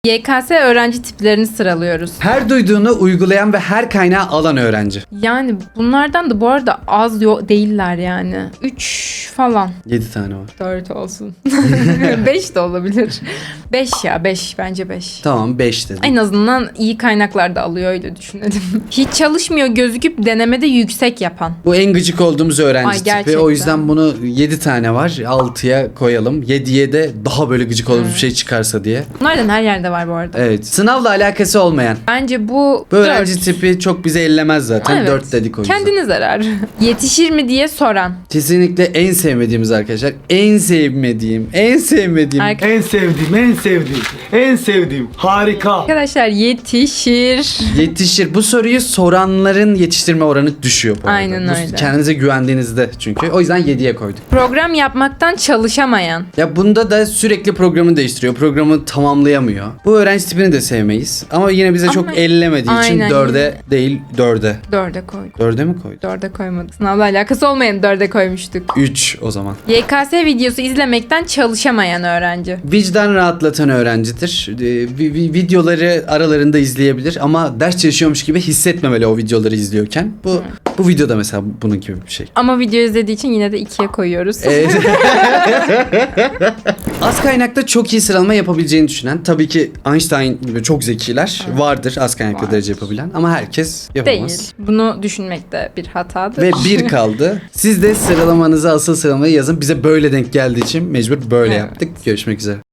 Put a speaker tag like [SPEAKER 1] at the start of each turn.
[SPEAKER 1] YKS öğrenci tiplerini sıralıyoruz.
[SPEAKER 2] Her duyduğunu uygulayan ve her kaynağı alan öğrenci.
[SPEAKER 1] Yani bunlardan da bu arada az değiller yani. 3 falan.
[SPEAKER 2] 7 tane var.
[SPEAKER 1] 4 olsun. 5 de olabilir. 5 ya 5 bence 5.
[SPEAKER 2] Tamam 5 dedim.
[SPEAKER 1] En azından iyi kaynaklar da alıyor öyle düşünelim. Hiç çalışmıyor gözüküp denemede yüksek yapan.
[SPEAKER 2] Bu en gıcık olduğumuz öğrenci
[SPEAKER 1] Ay,
[SPEAKER 2] tipi.
[SPEAKER 1] gerçekten.
[SPEAKER 2] O yüzden bunu 7 tane var. 6'ya koyalım. 7'ye de daha böyle gıcık olduğumuz bir şey çıkarsa diye.
[SPEAKER 1] Bunlardan her yerde var bu arada.
[SPEAKER 2] Evet. Sınavla alakası olmayan.
[SPEAKER 1] Bence bu
[SPEAKER 2] Bu
[SPEAKER 1] 4.
[SPEAKER 2] öğrenci tipi çok bize ellemez zaten.
[SPEAKER 1] Evet.
[SPEAKER 2] 4 dedik o yüzden.
[SPEAKER 1] Kendine zarar. Yetişir mi diye soran.
[SPEAKER 2] Kesinlikle en sevmediğimiz arkadaşlar. En sevmediğim.
[SPEAKER 3] En sevdiğim. Harika.
[SPEAKER 1] Arkadaşlar yetişir.
[SPEAKER 2] Yetişir. Bu soruyu soranların yetiştirme oranı düşüyor bu arada.
[SPEAKER 1] Aynen
[SPEAKER 2] Bu
[SPEAKER 1] öyle.
[SPEAKER 2] kendinize güvendiğinizde çünkü. O yüzden 7'ye koyduk.
[SPEAKER 1] Program yapmaktan çalışamayan.
[SPEAKER 2] Ya bunda da sürekli programı değiştiriyor. Programı tamamlayamıyor. Bu öğrenci tipini de sevmeyiz. Ama yine bize çok ellemediği için
[SPEAKER 1] Aynen.
[SPEAKER 2] 4'e değil 4'e.
[SPEAKER 1] 4'e koyduk.
[SPEAKER 2] 4'e mi koyduk?
[SPEAKER 1] 4'e koymadık. Sınavla alakası olmayan 4'e koymuştuk.
[SPEAKER 2] 3 o zaman.
[SPEAKER 1] YKS videosu izlemekten çalışamayan öğrenci.
[SPEAKER 2] Vicdan rahatlatan öğrencidir. Videoları aralarında izleyebilir ama ders çalışıyormuş gibi hissetmemeli o videoları izliyorken. Bu videoda mesela bunun gibi bir şey.
[SPEAKER 1] Ama video izlediği için yine de 2'ye koyuyoruz.
[SPEAKER 2] Az kaynakta çok iyi sıralama yapabileceğini düşünen, tabii ki Einstein gibi çok zekiler vardır az kaynakta
[SPEAKER 1] Vardır.
[SPEAKER 2] derece yapabilen ama herkes yapamaz.
[SPEAKER 1] Değil. Bunu düşünmek de bir hatadır.
[SPEAKER 2] Ve 1 kaldı. Siz de sıralamanızı, asıl sıralamayı yazın. Bize böyle denk geldiği için mecbur böyle
[SPEAKER 1] Evet.
[SPEAKER 2] yaptık. Görüşmek üzere.